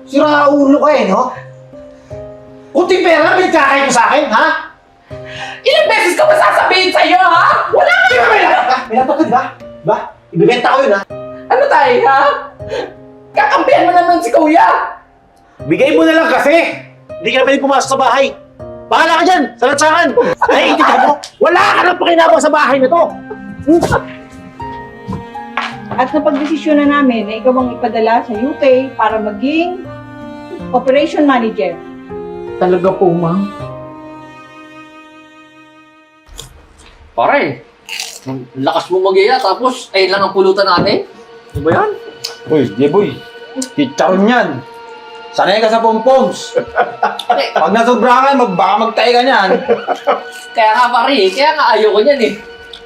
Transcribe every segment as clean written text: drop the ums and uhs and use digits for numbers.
Sira ulo ka no? Kunting pera lang pinagkakain mo sa akin, ha? Ilang beses ko ba sasabihin sa'yo, ha? Wala ka Di ba may laptop ka, di ba? Diba? Ibibenta ko yun, ha? Ano tayo, ha? Kakampihan mo naman si kuya! Bigay mo na lang kasi! Hindi ka na pwede pumasok sa bahay! Bahala ka dyan! Sa lansangan! Naiintindihan mo? Wala ka nang pakinabang sa bahay na to! At napagdesisyon na namin na ikaw ang ipadala sa UK para maging operation manager. Talaga po, ma'am. Pare, ang lakas mo mag-iya tapos ayun lang ang pulutan natin. Ano ba yan? Uy, Jeboy! Chicharon yan! Sanay ka sa pompoms! Pag nasobrahan, baka magtae ka niyan! Kaya nga pare, kaya nga ayoko niyan eh.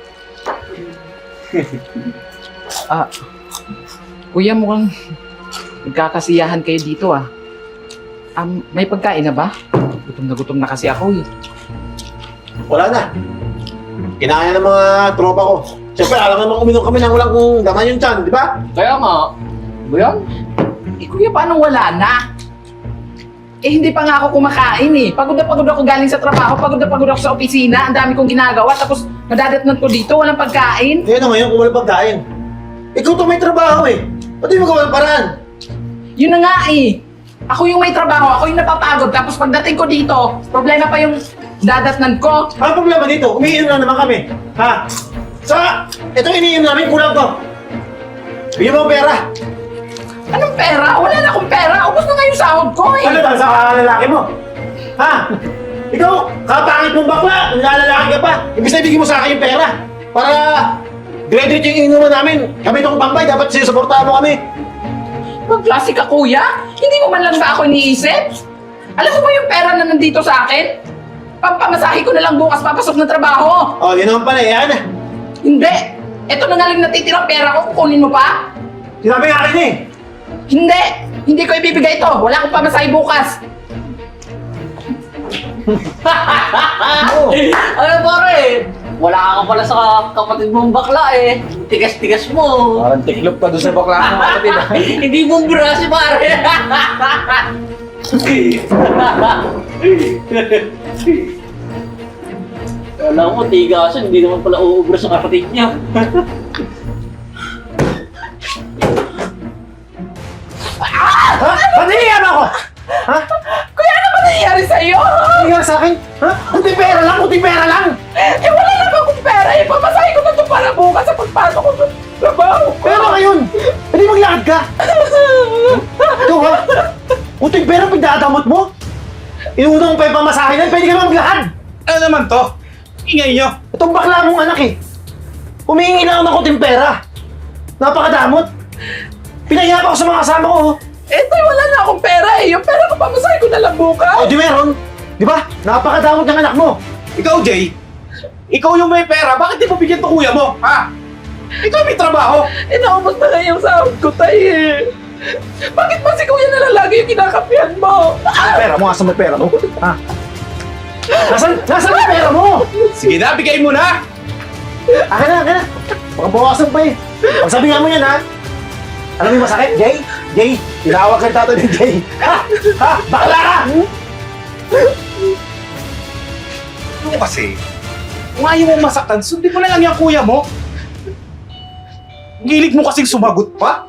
Kuya, mukhang nagkakasiyahan kayo dito, ah. May pagkain na ba? Gutom na kasi ako, eh. Wala na! Kinain ng mga tropa ko. Siyempre, alam naman uminom kami ng walang laman yung tiyan, di ba? Kaya nga, ano ba yan? Eh, kuya, paano wala na? Eh, hindi pa nga ako kumakain, eh. Pagod na pagod ako galing sa trabaho, pagod na pagod ako sa opisina, ang dami kong ginagawa, tapos madadatnan ko dito, walang pagkain. Eh, ano ngayon kung walang pagkain? Ikaw to may trabaho eh. Ba't di mo gawa ng paraan? Yun na nga, eh. Ako yung may trabaho, ako yung napapagod, tapos pagdating ko dito, problema pa yung dadatnan ko. Ang problema dito, umiinom na naman kami. Ha? Saka, ito iniinom namin, kulang to. Bigyan mo ang pera. Anong pera? Wala na akong pera. Ubus na nga yung sahod ko, eh. Ano ba sa lalaki mo? Ha? Ikaw, kapangit mong bakla, nilalalaki ka pa. Ibig sabihin bigyan mo sa akin yung pera. Para graduate yung inuman namin. Kami itong pambay, dapat sinusuportahan mo kami. Pag klase ka, kuya? Hindi mo man lang ba ako iniisip? Alam mo ba yung pera na nandito sa akin? Pampamasahe ko na lang bukas papasok ng trabaho. O, di naman pala yan. Hindi. Ito na nga lang natitirang pera ko. Kukunin mo pa? Sinabi nga akin eh. Hindi. Hindi ko ibibigay ito. Wala akong pamasahe bukas. Ano pare? Wala ka pala sa kapatid mong bakla eh. Tigas-tigas mo. Parang tiklop ka doon sa bakla ng kapatid. Hindi mo bra si pare. Alam mo, tigasan, hindi naman pala uubra sa kapatid niya. Ha? Ba't hinihiyan ako? Ha? Kuya, ano ba nangyayari sa'yo? Hinihiyan sa akin? Ha? Kunting pera lang, kunting pera lang! Eh, wala lang akong pera. Eh, pamasahe ko na ito para bukas sa pagpasok ko sa trabaho. Pero ngayon, hindi maglakad ka! Ito ha? Kunting pera pagdadamot mo? Inuuna mo pa yung pamasahe na, pwede ka naman maglakad! Ano naman to? Ingay nyo! Itong bakla mong anak eh. Humihingi lang ako ng kunting pera. Napakadamot. Pinahiya pa ako sa mga kasama ko. Oh. Eh, tay, wala na akong pera eh. Yung pera ko pamasahe ko na lang bukas. O di meron. Di ba? Napakadamot ng anak mo. Ikaw, Jay, ikaw yung may pera, bakit di mo bigyan to kuya mo? Ha? Ikaw may trabaho! Eh, naubos na nga yung sahod ko, tay eh. Bakit ba si kuya na lang lagi yung kinakapihan mo? Ang pera mo, asan mo yung pera mo? Ha? Nasaan yung pera mo? Sige na, bigay mo na! Akin na, akin na. Baka bawasan pa eh. Pagsabihan mo yan ha. Alam mo yung masakit, Jay? Jay, tinawag ka tato ni Jay. Ha? Ha? Bakla ka! Ano kasi? Kung ayaw mo masaktan, sundin mo na lang yung kuya mo. Ang hilig mo kasing sumagot pa.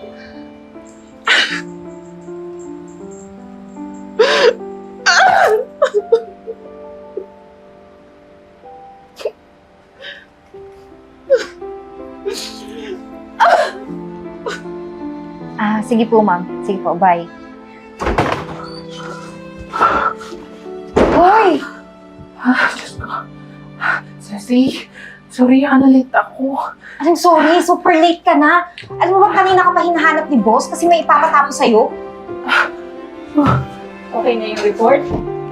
Sige po, ma'am. Sige po, bye. Hoy! Ceci, sorry ha, nalit ako. Anong sorry? Super late ka na. Alam mo ba kanina ka pa hinahanap ni boss kasi may ipapatapos sa'yo? Okay na yung report?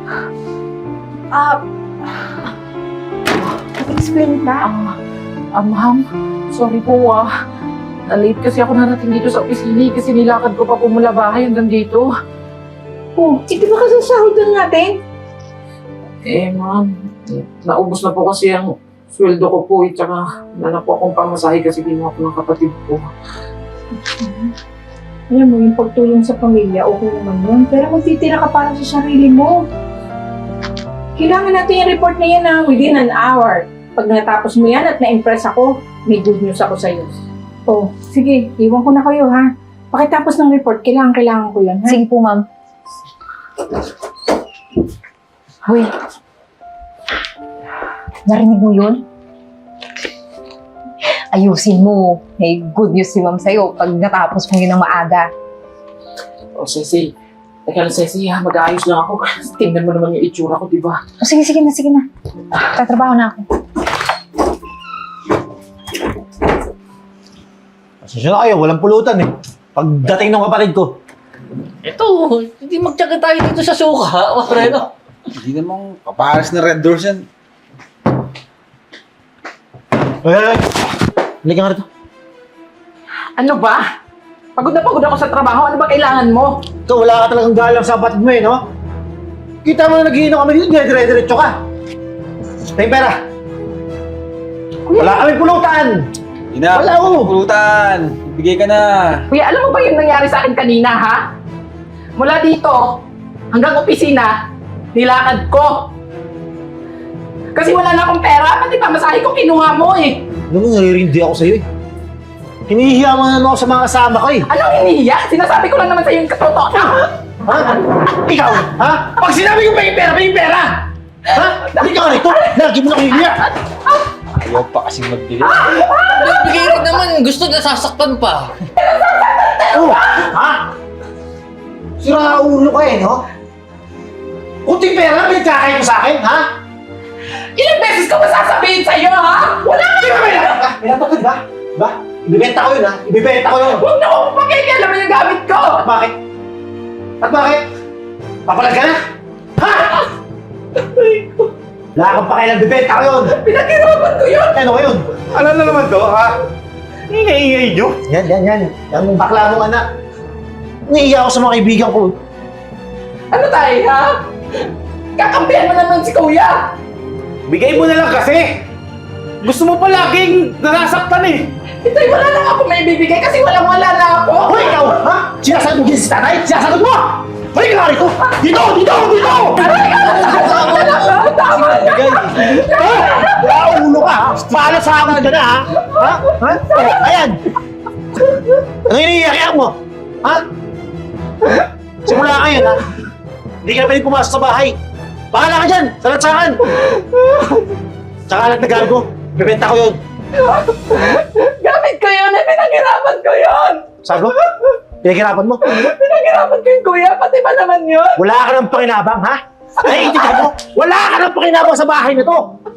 Explain ka? Ma'am, sorry po Na-late kasi ako narating dito sa opisina kasi nilakad ko pa po mula bahay hanggang dito. Oh, di ba kasasahod lang natin? Eh, ma'am, naubos na po kasi ang sweldo ko po tsaka wala na po akong pamasahe kasi ginawa ko ng kapatid ko. Alam mo, yung pagtulong sa pamilya, okay naman yun. Pero magtitira ka para sa sarili mo. Kailangan natin yung report na yan within an hour. Pag natapos mo yan at na-impress ako, may good news ako sa'yo. Oh, sige, iwan ko na kayo ha. Pakitapos ng report, kailangan ko yan ha. Sige po, ma'am. Hoy. Narinig mo yun? Ayusin mo. May good news si ma'am sa'yo pag natapos mo yun ng maaga. O, Cecil. Teka lang, Cecil, ha? Mag-aayos lang ako. Tingnan mo naman yung itsura ko, di ba? O, sige na. Tatrabaho na ako. Pasensya na kayo, walang pulutan eh. Pagdating ng kapatid ko. Ito, hindi magtsaga tayo dito sa suka, Mareno. Hindi namang kapares na red doors yan. Ay! Halika nga rito. Ano ba? Pagod na pagod ako sa trabaho. Ano ba kailangan mo? Ikaw, wala ka talagang galang sa kapatid mo eh, no? Kita mo na naghihinom kami dito, dire-diretso ka. Tayong pera. Wala kami pulutan. Ina, Wala ako. pulutan. Ibigay ka na. Kuya, alam mo ba yung nangyari sa akin kanina, ha? Mula dito hanggang opisina, nilakad ko. Kasi wala na akong pera, pati pamasahe ko kinuha mo eh. Alam mo, naririndi ako sa'yo eh. Hinihiya mo na ako sa mga kasama ko eh. Anong hinihiya? Sinasabi ko lang naman sa iyo yung katotohanan. Ha? Ikaw? Ha? Pag sinabi ko may pera! Ha? Hindi ka rito! Lagi mo na hinihiya! Ayaw pa kasing magbili. Bigay rin naman, gusto nasasaktan pa. Oh! Ha? Sira ulo ka eh, no? Kunting pera, pinagkakain mo sa akin, ha? Ilang beses ko masasabihin sa iyo, ha? Wala ka Hindi ka may lapag ba? Ba? Ibibenta ko yun, ha? Ibibenta ko yun! Huwag na akong pakikialaman yung gamit ko! At bakit? At bakit? Papalag ka na? Ha? Wala kang pakialam, bibenta ko yun! Pinaghirapan ko yun! Ano ko yun? Ano na naman to, ha? Ingay-ingay nyo. Yan. Yung bakla mong anak. Naiiya ako sa mga kaibigan ko. Ano tayo, ha? Kakampihan mo naman si kuya! Bigay mo na lang kasi. Gusto mo pa laging nasasaktan eh. Ito'y wala na ako may bibigay kasi walang-wala na ako! Hoy, ikaw! Ha? Sinasagot mo din si tatay? Sinasagot mo! Hoy, ka rito! Dito! Tama na! Bigay. Wala ulo ka, ha? Paano sa akin ka na, ha? Ha? Oh, ayan! Ano iniiyak mo? Ha? Simula ngayon, ha? Hindi ka na pwede pumasok sa bahay. Bahala ka dyan! Sa lansangan! Tsaka alat na gago. Bibenta ko yun. Gamit ko yun eh! Pinaghirapan ko yun! Sabi mo? Pinaghirapan mo? Pinaghirapan ko yung kuya! Pati ba naman yun? Wala ka ng pakinabang, ha? Naiintindihan mo? Wala ka ng pakinabang sa bahay na to!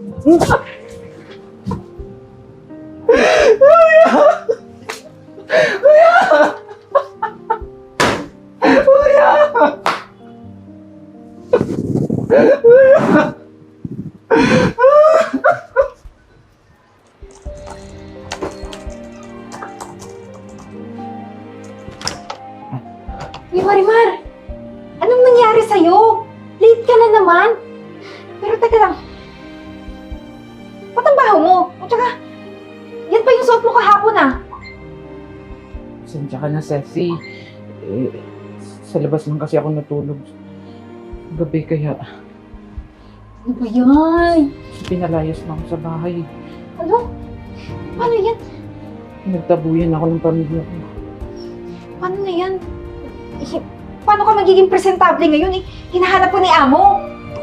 Hey, Marimar! Anong nangyari sa'yo? Late ka na naman. Pero teka lang. Ba't ang baho mo? At saka, yan pa yung suot mo kahapon ah. Sensya ka na, Ceci. Sa labas lang kasi ako natulog. Gabi kaya Ano ba yan? pinalayas na ako sa bahay. Ano? Paano yan? Nagtabuyan ako ng pamilya ko. Paano na yan? Paano ka magiging presentable ngayon eh? Hinahanap ko ni Amo.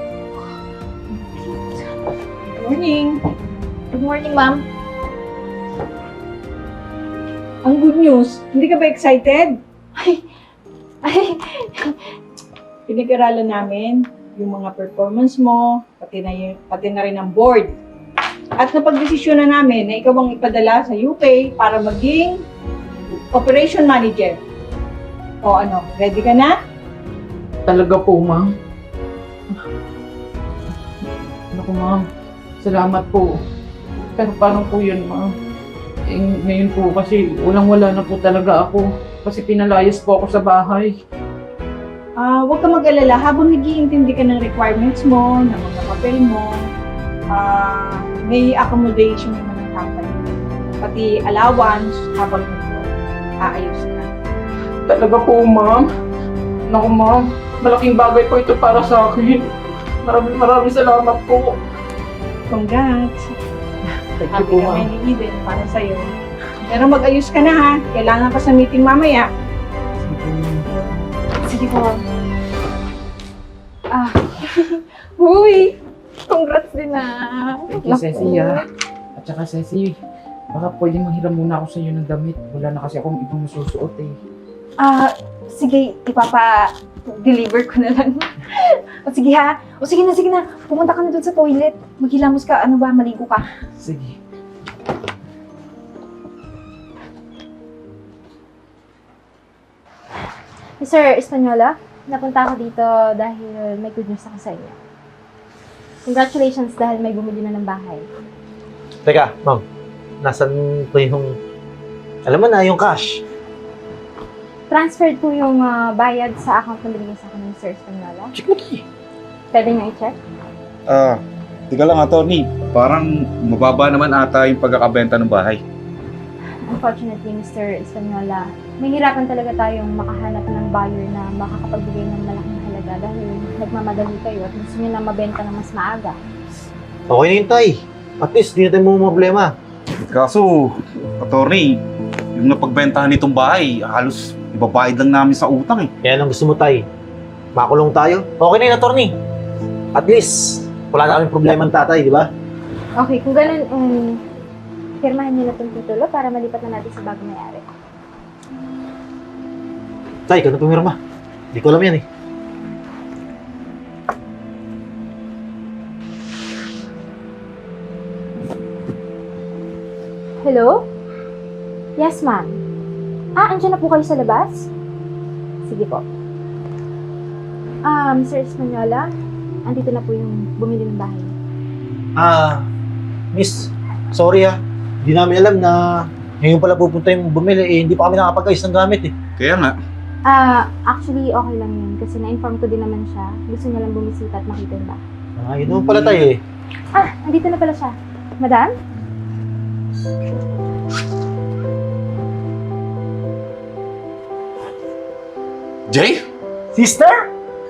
Good morning. Good morning, ma'am. Ang good news, hindi ka ba excited? Ay, Pinag-aralan namin yung mga performance mo, pati na rin ang board. At napag-desisyon na namin na ikaw ang ipadala sa UK para maging operation manager. O ano, ready ka na? Talaga po, ma'am. Naku, ma'am. Salamat po. Pero paano po yun, ma'am? Eh, ngayon po kasi walang-wala na po talaga ako. Kasi pinalayas po ako sa bahay. Huwag ka mag-alala. Habang nag-iintindi ka ng requirements mo, ng mga papel mo, may accommodation naman ng company. Pati allowance habang nag-aayos ka. talaga po, ma'am. Naku, ma'am. Malaking bagay po ito para sa akin. Maraming salamat po. Congrats. Thank you Happy po, kami ma'am. ni Eden para sa'yo. Pero mag-ayos ka na ha. Kailangan pa sa meeting mamaya. Sige po, ma'am. Uy! Congrats din na. Thank you, Ceci, ha. At saka, Ceci, baka pwede manghiram muna ako sa iyo ng damit. Wala na kasi akong ibang masusuot eh. Sige, ipapa-deliver ko na lang. O sige ha. O sige na. Pumunta ka na dun sa toilet. Maghilamos ka. Ano ba? Maligo ka. Sige. Mr. Espanola, napunta ako dito dahil may good news ako sa inyo. Congratulations dahil may bumili na ng bahay. Teka, ma'am. Nasaan po yung... Alam mo na, yung cash. Transferred po yung bayad sa account na binigay sa akin ng Mr. Espanola. Check mo tayo. Pwede niyo i-check? Tika lang, attorney. Parang mababa naman ata yung pagkakabenta ng bahay. Unfortunately, Mr. Espanola, mahirapan talaga tayong makahanap ng buyer na makakapagbigay ng malaking halaga dahil nagmamadali kayo at gusto niyo na mabenta ng mas maaga. Okay na yun, tay. At least, di na tayo mga problema. Kaso, attorney, yung napagbentahan nitong bahay, halos ibabayad lang namin sa utang eh. Kaya lang gusto mo, tay. Makulong tayo. Okay na yun, attorney. At least, wala na kaming problema ng tatay, di ba? Okay, kung ganun, firmahan niyo na itong titulo para malipat na natin sa bagong may-ari. Tay, ikaw na pumirma. Hindi ko alam yan eh. Hello? Yes, ma'am. Andyan na po kayo sa labas? Sige po. Mr. Espanola, andito na po yung bumili ng bahay. Miss, sorry Hindi namin alam na ngayon pala pupunta yung bumili eh. Hindi pa kami nakapag-ayos ng gamit eh. Kaya nga, Actually, okay lang yun kasi na-inform ko din naman siya. Gusto niya lang bumisita at makita yung bahay. Yun naman pala tayo eh. Andito na pala siya. Madam? Jay? Sister?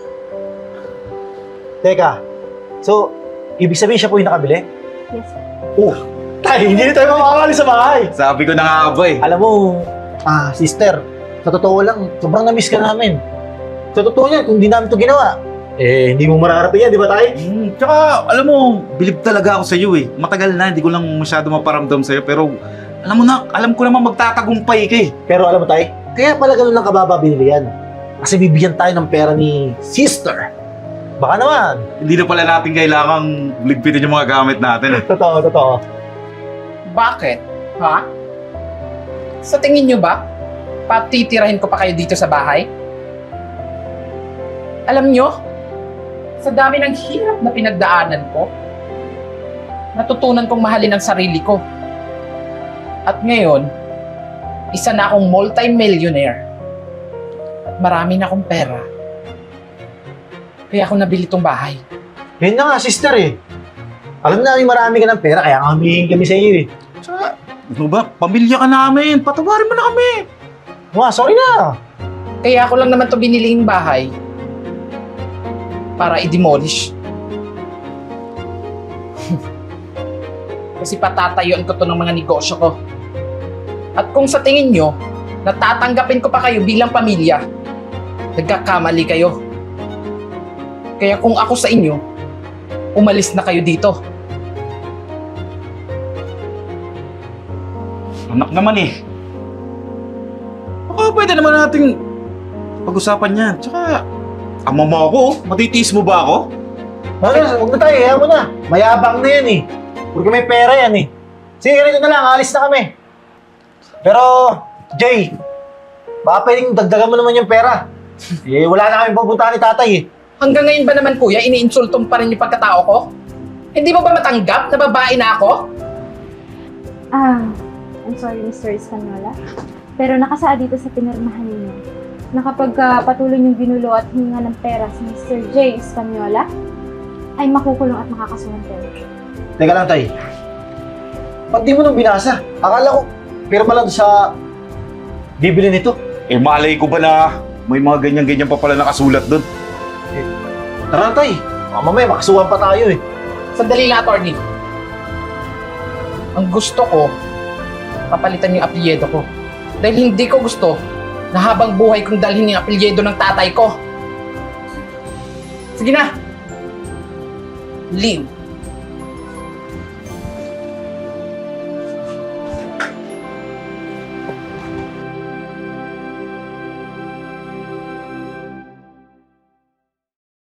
Teka, so, ibig sabihin siya po yung nakabili? Yes, sir. Tay, hindi na tayo makakali sa bahay. Sabi ko na nga ba eh. Alam mo, sister, sa totoo lang, sobrang na-miss ka namin. Sa totoo niya, kung di namin ito ginawa, hindi mo mararating yan, di ba tay? Tsaka, alam mo, bilib talaga ako sa iyo eh. Matagal na, hindi ko lang masyado maparamdam sa iyo, pero alam mo na, alam ko naman magtatagumpay ka eh. Pero alam mo tay, kaya pala ganun lang kababa binili yan. Kasi bibigyan tayo ng pera ni sister. Baka naman. Hindi na pala natin kailangang ligpitin yung mga gamit natin eh. Totoo. Bakit? Ha? Sa tingin nyo ba, patitirahin ko pa kayo dito sa bahay? Alam nyo, sa dami ng hirap na pinagdaanan ko, natutunan kong mahalin ang sarili ko. At ngayon, isa na akong multi-millionaire. At marami na akong pera. Kaya ako nabili tong bahay. Yun na nga, sister eh. Alam namin marami ka ng pera, kaya nga humihingi kami sa iyo eh. Tsaka, ano ba, pamilya ka namin, patawarin mo na kami. Sorry na. Kaya ako lang naman to biniling bahay para i-demolish. Kasi patatayuan ko to ng mga negosyo ko. At kung sa tingin nyo, natatanggapin ko pa kayo bilang pamilya, nagkakamali kayo. Kaya kung ako sa inyo, umalis na kayo dito. Anak naman eh. Baka pwede naman nating pag-usapan yan. Tsaka, ama mo ako, matitiis mo ba ako? Huwag na tayo, hayaan mo na. Mayabang na yan eh. Porque may pera yan eh. Sige, ganito na lang, alis na kami. Pero, Jay, baka pwedeng dagdagan mo naman yung pera. Wala na kami pupuntahan ni tatay eh. Hanggang ngayon ba naman kuya, iniinsultong pa rin yung pagkatao ko? Hindi mo ba matanggap na babae na ako? I'm sorry, Mr. Espanola. Pero nakasaad dito sa pinirmahan ninyo na kapag patuloy niyong ginulo at hininga ng pera si Mr. J. Espanola, ay makukulong at makakasuhan kayo. Teka lang, tay. Ba't di mo nung binasa? Akala ko, pirma lang sa bibili nito. Eh, malay ko ba na may mga ganyan-ganyan pa pala nakasulat doon? Tara, tay. Baka mamaya makasuhan pa tayo eh. Sandali lang, attorney. Ang gusto ko, papalitan yung apelyido ko. Dahil hindi ko gusto na habang buhay kong dalhin yung apelyido ng tatay ko. Sige na. Leave.